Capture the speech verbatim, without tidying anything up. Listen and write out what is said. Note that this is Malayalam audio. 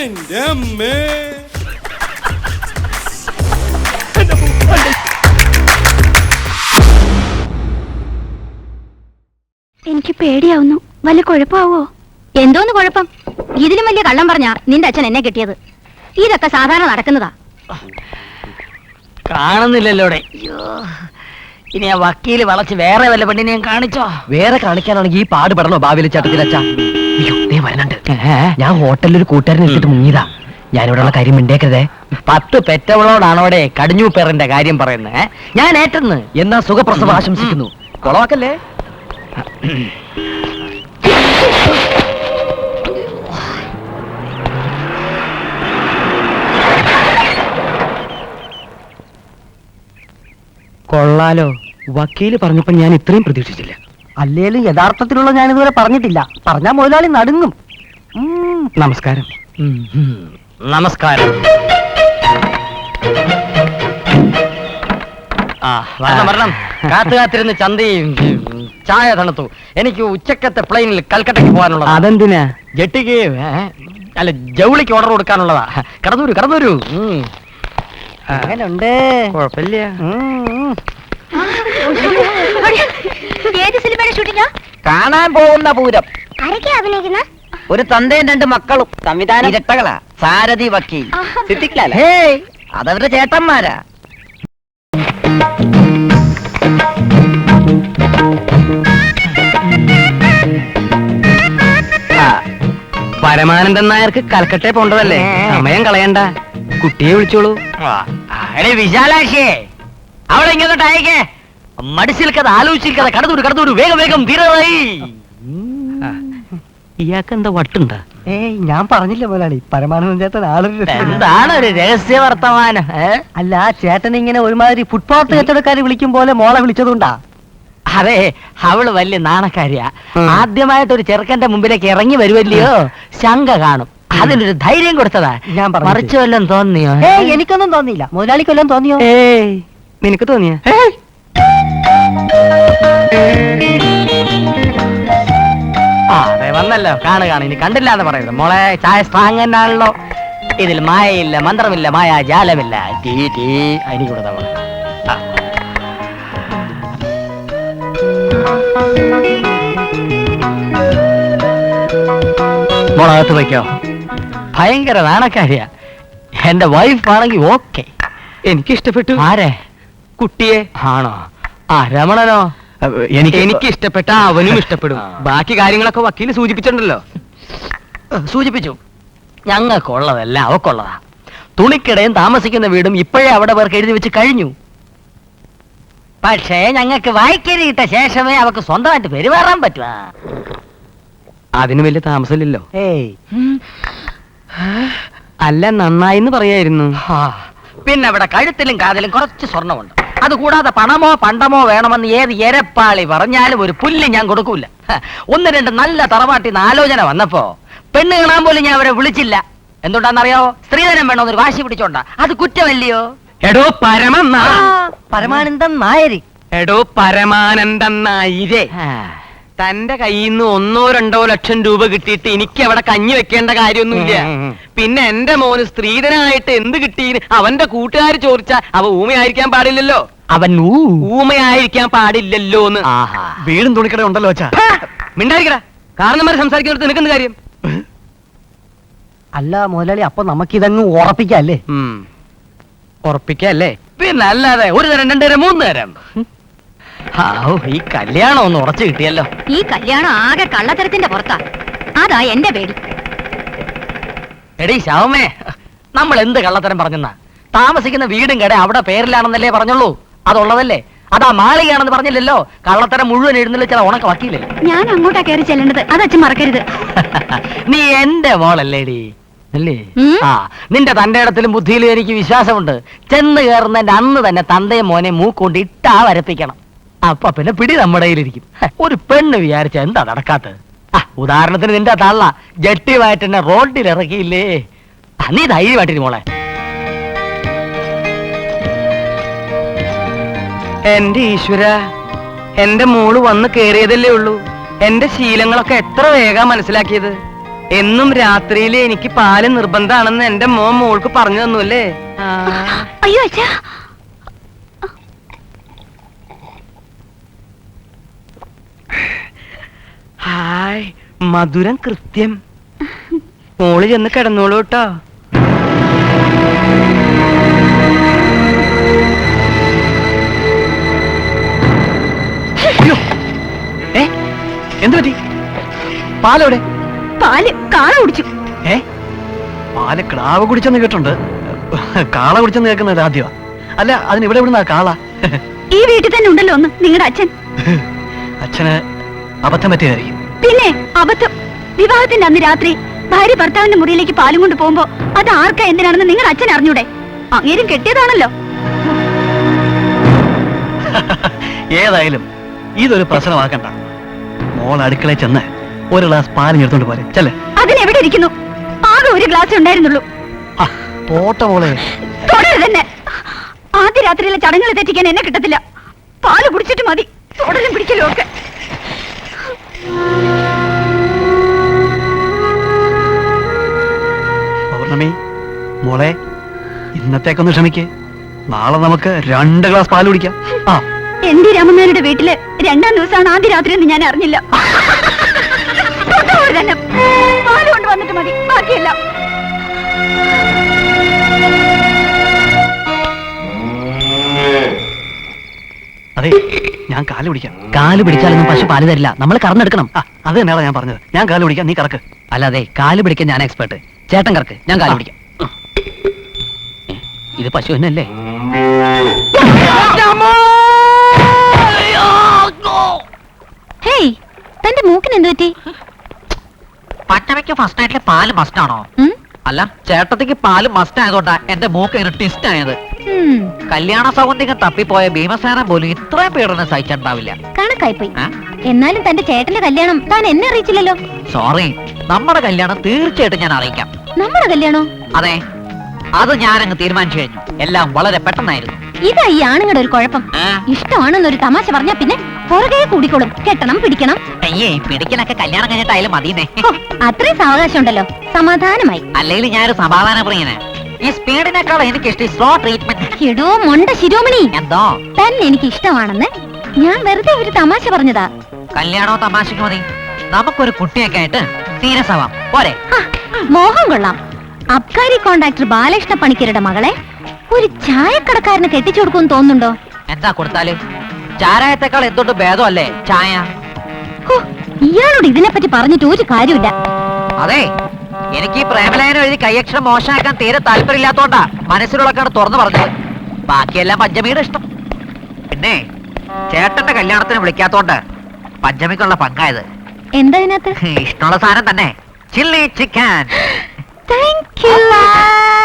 എന്റെ അമ്മേ. എനിക്ക് പേടിയാവുന്നു. വല്ല കുഴപ്പമാവോ? എന്തോന്ന് കുഴപ്പം? ഇതിലും വലിയ കള്ളം പറഞ്ഞാ നിന്റെ അച്ഛൻ എന്നെ കിട്ടിയത്. ഇതൊക്കെ സാധാരണ നടക്കുന്നതാ. കാണുന്നില്ലല്ലോടെ. ഇനി ആ വക്കീല് വളച്ച് വേറെ വല്ല പെണ്ണിനെയും കാണിച്ചോ? വേറെ കാണിക്കാനാണെങ്കിൽ ഈ പാട് പെടണോ ഭാവിയിലെ ചട്ടത്തിലച്ചാ? അയ്യോ നീ വരണുണ്ട്. ഞാൻ ഹോട്ടലിൽ ഒരു കൂട്ടുകാരൻ എടുത്തിട്ട് മുങ്ങിയതാ. ഞാനിവിടെയുള്ള കാര്യം മിണ്ടേക്കരുതേ. പത്ത് പെറ്റവളോടാണോടെ കടിഞ്ഞു പേറിന്റെ കാര്യം പറയുന്നത്? ഞാൻ ഏറ്റെന്ന്. എന്നാ സുഖപ്രസവം ആശംസിക്കുന്നു. കൊളവാക്കല്ലേ. കൊള്ളാലോ. വക്കീല് പറഞ്ഞപ്പോ ഞാൻ ഇത്രയും പ്രതീക്ഷിച്ചില്ല. അല്ലേലും യഥാർത്ഥത്തിലുള്ള ഞാൻ ഇതുവരെ പറഞ്ഞിട്ടില്ല. പറഞ്ഞാ മുതലാളി നടുങ്ങും. നമസ്കാരം. നമസ്കാരം. ആ വരണം വരണം. കാത്തു കാത്തിരുന്ന് ചന്തയും ചായ തണുത്തു. എനിക്ക് ഉച്ചക്കത്തെ പ്ലെയിനിൽ കൽക്കട്ടയ്ക്ക് പോകാനുള്ളത്. അതെന്തിനാ? ജെട്ടിക്ക് അല്ല ജൗളിക്ക് ഓർഡർ കൊടുക്കാനുള്ളതാ. കടന്നൂരു കടന്നൂരു. അങ്ങനുണ്ട്. കുഴപ്പമില്ല. ഏത് സിനിമയുടെ ഷൂട്ടിംഗാ? കാണാൻ പോകുന്ന പൂരം. ആരൊക്കെയാ അഭിനയിക്കുന്ന? ഒരു തന്തയും രണ്ട് മക്കളും. സംവിധാനം ഇരട്ടകളാ. സാരഥി വക്കീൽ സിദ്ദിഖ്ലാൽ. അതവരുടെ ചേട്ടന്മാരാ. പരമാനന്ദൻ നായർക്ക് കൽക്കട്ടെ പോണ്ടതല്ലേ? സമയം കളയണ്ട. കുട്ടിയെ വിളിച്ചോളൂ. വിശാലാക്ഷിയെ അവളെ ഇങ്ങോട്ട് അയക്കേ. മടിച്ചിരിക്കത് ആലോചിച്ചിരിക്കത്. കടന്നൂര് കടന്നൂര് വേഗം വേഗം തീരായി. ഇയാൾക്ക് എന്താ വട്ടുണ്ടാ? ഏയ് ഞാൻ പറഞ്ഞില്ല മുതലാളി, പരമാനന്ദൻ ചേട്ടൻ ആളൊരു എന്താണ് ഒരു രഹസ്യ വർത്തമാനം? അല്ല ചേട്ടൻ ഇങ്ങനെ ഒരുമാതിരി ഫുട്പാത്ത് കച്ചവടക്കാര് വിളിക്കും പോലെ മോളെ വിളിച്ചതുകൊണ്ടാ. അതെ, അവള് വലിയ നാണക്കാരിയാ. ആദ്യമായിട്ട് ഒരു ചെറുക്കന്റെ മുമ്പിലേക്ക് ഇറങ്ങി വരുമല്ലയോ, ശങ്ക കാണും. അതിനൊരു ധൈര്യം കൊടുത്തതാ. ഞാൻ മറിച്ചു വല്ലതും തോന്നിയോ? ഏയ് എനിക്കൊന്നും തോന്നിയില്ല. മുതലാളിക്ക് വല്ലതും തോന്നിയോ? ഏയ് നിനക്ക് തോന്നിയ? ആ അതെ വന്നല്ലോ. കാണു കാണു. ഇനി കണ്ടില്ല എന്ന് പറയുന്നത്. മോളെ ചായ സ്ട്രാങ് തന്നെയാണല്ലോ. ഇതിൽ മായയില്ല, മന്ത്രമില്ല, മായ ജാലമില്ല. ടീ ടീ എനിക്ക് കൊടുത്ത മോളെ. മോളകത്ത് വയ്ക്കോ. ഭയങ്കര നാണക്കാരിയാ. എന്റെ വൈഫ് ആണെങ്കിൽ ഓക്കെ. എനിക്ക് ഇഷ്ടപ്പെട്ടു. ആരെ? കുട്ടിയെ. ആണോ? ആ രമണനോ? എനിക്ക് എനിക്ക് ഇഷ്ടപ്പെട്ട അവനും ഇഷ്ടപ്പെടും. ബാക്കി കാര്യങ്ങളൊക്കെ വക്കീല് സൂചിപ്പിച്ചിട്ടുണ്ടല്ലോ. സൂചിപ്പിച്ചു. ഞങ്ങൾക്കുള്ളതല്ല അവക്കുള്ളതാ. തുണിക്കിടയും താമസിക്കുന്ന വീടും ഇപ്പോഴേ അവിടെ പേർക്ക് എഴുതി വെച്ച് കഴിഞ്ഞു. പക്ഷേ ഞങ്ങൾക്ക് വായിക്കരിയിട്ട ശേഷമേ അവക്ക് സ്വന്തമായിട്ട് പെരുമാറാൻ പറ്റുക. അതിന് വലിയ താമസമില്ലല്ലോ. ഏയ് അല്ല നന്നായിന്ന് പറയായിരുന്നു. പിന്നെ അവിടെ കഴുത്തിലും കാതിലും കുറച്ച് സ്വർണ്ണമുണ്ട്. അതുകൂടാതെ പണമോ പണ്ടമോ വേണമെന്ന് ഏത് എരപ്പാളി പറഞ്ഞാലും ഒരു പുല്ല് ഞാൻ കൊടുക്കൂല. ഒന്ന് രണ്ട് നല്ല തറവാട്ടിന്ന് ആലോചന വന്നപ്പോ പെണ്ണ് കാണാൻ പോലും ഞാൻ അവരെ വിളിച്ചില്ല. എന്തുകൊണ്ടാണെന്നറിയാവോ? സ്ത്രീധനം വേണമെന്നൊരു വാശി പിടിച്ചോണ്ടാ. അത് കുറ്റമല്ലയോ? എടോ പരമ പരമാനന്ദൻ നായര്. എടോ പരമാനന്ദൻ നായരെ, തന്റെ കയ്യിൽ നിന്ന് ഒന്നോ രണ്ടോ ലക്ഷം രൂപ കിട്ടിയിട്ട് എനിക്ക് അവിടെ കഞ്ഞി വെക്കേണ്ട കാര്യമൊന്നുമില്ല. പിന്നെ എന്റെ മോന് സ്ത്രീധനായിട്ട് എന്ത് കിട്ടീന് അവന്റെ കൂട്ടുകാർ ചോദിച്ചാ അവ ഊമയായിരിക്കാൻ പാടില്ലല്ലോ. അവൻ ഊമയായിരിക്കാൻ പാടില്ലല്ലോന്ന്. വീടും തുണിക്കട ഉണ്ടല്ലോ അച്ഛാ. മിണ്ടായിരിക്കടാ. കാരണന്മാർ സംസാരിക്കുന്നിടത്ത് നിനക്കെന്ത് കാര്യം? അല്ല മുതലാളി, അപ്പൊ നമുക്കിതങ്ങ് ഉറപ്പിക്കല്ലേ? ഉറപ്പിക്കല്ലേ? പിന്നെ അല്ലാതെ ഒരു തരം രണ്ടു തരം മൂന്ന് തരം. ഈ കല്യാണം ഒന്ന് ഉറച്ചു കിട്ടിയല്ലോ. ഈ കല്യാണം ആകെ കള്ളത്തരത്തിന്റെ പുറത്താ. അതാ എന്റെ പേടി. എടീ ശവമേ, നമ്മൾ എന്ത് കള്ളത്തരം പറഞ്ഞെന്നാ? താമസിക്കുന്ന വീടും കട അവിടെ പേരിലാണെന്നല്ലേ പറഞ്ഞുള്ളൂ. അതുള്ളതല്ലേ? അതാ മാളികയാണെന്ന് പറഞ്ഞില്ലല്ലോ. കള്ളത്തരം മുഴുവൻ എഴുന്നള്ളിച്ച ഉണക്ക വക്കീലേ. ഞാൻ അങ്ങോട്ടാ കയറി ചെല്ലേണ്ടത്. അത് അച്ഛൻ മറക്കരുത്. നീ എന്റെ മോളല്ലേടി അല്ലേ? ആ നിന്റെ തന്റെ ഇടത്തിലും ബുദ്ധിയിലും എനിക്ക് വിശ്വാസമുണ്ട്. ചെന്ന് കയറുന്നതിന്റെ അന്ന് തന്നെ തന്തയും മോനെ മൂക്കൊണ്ട് ഇട്ടാ വരപ്പിക്കണം. അപ്പൊ പിന്നെ പിടി നമ്മുടെ കയ്യിലിരിക്കും. ഒരു പെണ്ണ് വിചാരിച്ച എന്താ നടക്കാത്തത്? ആ ഉദാഹരണത്തിന് നിന്റെ തള്ള ജട്ടിയുമായിട്ട് എന്നെ റോഡിൽ ഇറക്കിയില്ലേ? നീ ധൈര്യമായിട്ടിരി മോളെ. എന്റെ ഈശ്വര, എന്റെ മോള് വന്ന് കേറിയതല്ലേ ഉള്ളൂ. എന്റെ ശീലങ്ങളൊക്കെ എത്ര വേഗം മനസ്സിലാക്കിയത്. എന്നും രാത്രിയിൽ എനിക്ക് പാല് നിർബന്ധാണെന്ന് എന്റെ മോൻ മോൾക്ക് പറഞ്ഞു തന്നു അല്ലേ? അയ്യോ അച്ഛാ, ഹായ്, മധുരം കൃത്യം. മോള് ചെന്ന് കിടന്നോളൂ കേട്ടോ. ഏ എന്ത് പറ്റി? പാലെവിടെ? പാല് കാള കുടിച്ചു. ഏ പാല് ക്ലാവ് കുടിച്ചെന്ന് കേട്ടുണ്ട്, കാള കുടിച്ചെന്ന് കേൾക്കുന്നത് ആദ്യമാ. അല്ല, അതിന് ഇവിടെ എവിടുന്നാ കാള? ഈ വീട്ടിൽ തന്നെ ഉണ്ടല്ലോ ഒന്ന് നിങ്ങളുടെ അച്ഛൻ. അച്ഛന് അബദ്ധം പറ്റിയതായിരിക്കും. പിന്നെ അബദ്ധം. വിവാഹത്തിന്റെ അന്ന് രാത്രി ഭാര്യ ഭർത്താവിന്റെ മുറിയിലേക്ക് പാലും കൊണ്ട് പോകുമ്പോ അത് ആർക്കാ എന്തിനാണെന്ന് നിങ്ങളുടെ അച്ഛൻ അറിഞ്ഞൂടെ? അങ്ങേരും കെട്ടിയതാണല്ലോ. ഏതായാലും ഇതൊരു പ്രശ്നമാക്കണ്ട. മോൾ അടുക്കളയിൽ ചെന്ന് ഒരു ഗ്ലാസ് പാലും എടുത്തോണ്ട് പോരെ. ചെല്ലേ. അതിനെവിടെ ഇരിക്കുന്നു? ആകെ ഒരു ഗ്ലാസ് ഉണ്ടായിരുന്നുള്ളൂ. പോട്ട മോളെ, തുടരുത് തന്നെ. ആദ്യ രാത്രിയിലെ ചടങ്ങുകൾ തെറ്റിക്കാൻ എന്നെ കിട്ടത്തില്ല. പാല് കുടിച്ചിട്ട് മതി തുടരും പിടിക്കലും ഒക്കെ. പൗർണമി മോളെ, ഇന്നത്തേക്കൊന്ന് ക്ഷമിക്ക്. നാളെ നമുക്ക് രണ്ട് ഗ്ലാസ് പാല് കുടിക്കാം. ആ, എന്റെ രാമനാരുടെ വീട്ടില് രണ്ടാം ദിവസമാണ് ആദ്യ രാത്രി എന്ന് ഞാൻ അറിഞ്ഞില്ല. തന്നെ പാല് കൊണ്ട് വന്നിട്ട് മതി, ബാക്കിയല്ല. അതെ, ഞാൻ കാല് പിടിക്കാം. കാല് പിടിച്ചാലൊന്നും പശു പാല് തരില്ല, നമ്മൾ കറന്നെടുക്കണം. ആ, അത് തന്നെയാണ് ഞാൻ പറഞ്ഞത്. ഞാൻ കാല് പിടിക്കാം, നീ കറക്ക്. അല്ലാതെ കാല് പിടിക്കാൻ ഞാൻ എക്സ്പെർട്ട്. ചേട്ടൻ കറക്ക്, ഞാൻ കാല് പിടിക്കാം. ഏ, ഇത് പശു തന്നെയല്ലേ? ഹേയ്, തന്റെ മൂക്കിന് എന്ത് പറ്റി? പച്ചമയ്ക്ക് ഫസ്റ്റ് നൈറ്റിലെ പാല് മസ്റ്റ് ആണോ? ഉം? അല്ല, ചേട്ടത്തിക്ക് പാല് മസ്റ്റ് ആയതുകൊണ്ടാ എന്റെ മൂക്ക് ഇങ്ങനെ ട്വിസ്റ്റ് ആയത്. ഉം, കല്യാണ സൗന്ദര്യം തപ്പിപ്പോയ ഭീമസേന പോലും ഇത്രയും പീഡനം സഹിച്ചിട്ടുണ്ടാവില്ല. കണക്കായിപ്പോയി. എന്നാലും തന്റെ ചേട്ടന്റെ കല്യാണം താൻ എന്നെ അറിയിച്ചില്ലല്ലോ. സോറി, നമ്മുടെ കല്യാണം തീർച്ചയായിട്ടും ഞാൻ അറിയിക്കാം. നമ്മുടെ കല്യാണോ? അതെ, അത് ഞാനങ്ങ് തീരുമാനിച്ചു കഴിഞ്ഞു. എല്ലാം വളരെ പെട്ടെന്നായിരുന്നു. ഇതാ ഈ ആണുങ്ങളുടെ ഒരു കുഴപ്പം. ആ, ഇഷ്ടമാണെന്നൊരു തമാശ പറഞ്ഞാ പിന്നെ പുറകെ കൂടിക്കോളും. കെട്ടണം, പിടിക്കണം. അയ്യേ, പിടിക്കലൊക്കെ കല്യാണം കഴിഞ്ഞിട്ടായാലും മതിയെന്നേ. ഹോ, അത്രയും സാവകാശം ഉണ്ടല്ലോ, സമാധാനമായി. അല്ലെങ്കിൽ ഞാനൊരു സമാധാന പ്രിയന്. ഈ സ്പീഡിനേക്കാൾ എനിക്ക് ഇഷ്ടം സ്ലോ ട്രീറ്റ്മെന്റ്. എടോ മൊണ്ട ശിരോമണി, എന്തോ തന്നെ എനിക്ക് ഇഷ്ടമാണെന്ന് ഞാൻ വെറുതെ ഒരു തമാശ പറഞ്ഞതാ. കല്യാണോ തമാശക്ക് മതി. നമുക്കൊരു കുട്ടിയൊക്കെ ആയിട്ട് സീരിയസ് ആവാം, പോരെ? ഹ, മോഹം കൊള്ളാം. അബ്കാരി കോൺട്രാക്ടർ ബാലകൃഷ്ണ പണിക്കരുടെ മകളെ ഒരു ചായക്കടക്കാരന് കെട്ടിച്ചു കൊടുക്കുമെന്ന് തോന്നുന്നുണ്ടോ? എന്താ കൊടുത്താല്? ചാരായത്തെക്കാൾ എന്തുകൊണ്ട് ഭേദമല്ലേ ചായ? ഹോ, ഇയാളോട് ഇതിനെപ്പറ്റി പറഞ്ഞിട്ട് ഒരു കാര്യമില്ല. അതെ, എനിക്ക് ഈ പ്രേമലേഖനം എഴുതി കൈയക്ഷരം മോശമാക്കാൻ തീരെ താല്പര്യമില്ലാത്തോണ്ടാ മനസ്സിലുള്ളക്കാണ് തുറന്നു പറഞ്ഞത്. ബാക്കിയെല്ലാം പഞ്ചമിയുടെ ഇഷ്ടം. പിന്നെ ചേട്ടന്റെ കല്യാണത്തിന് വിളിക്കാത്തോണ്ട് പഞ്ചമിക്കുള്ള പങ്കായത്. എന്താ ഇതിനകത്ത്? ഇഷ്ടമുള്ള സാധനം തന്നെ, ചില്ലി ചിക്കൻ. Thank you.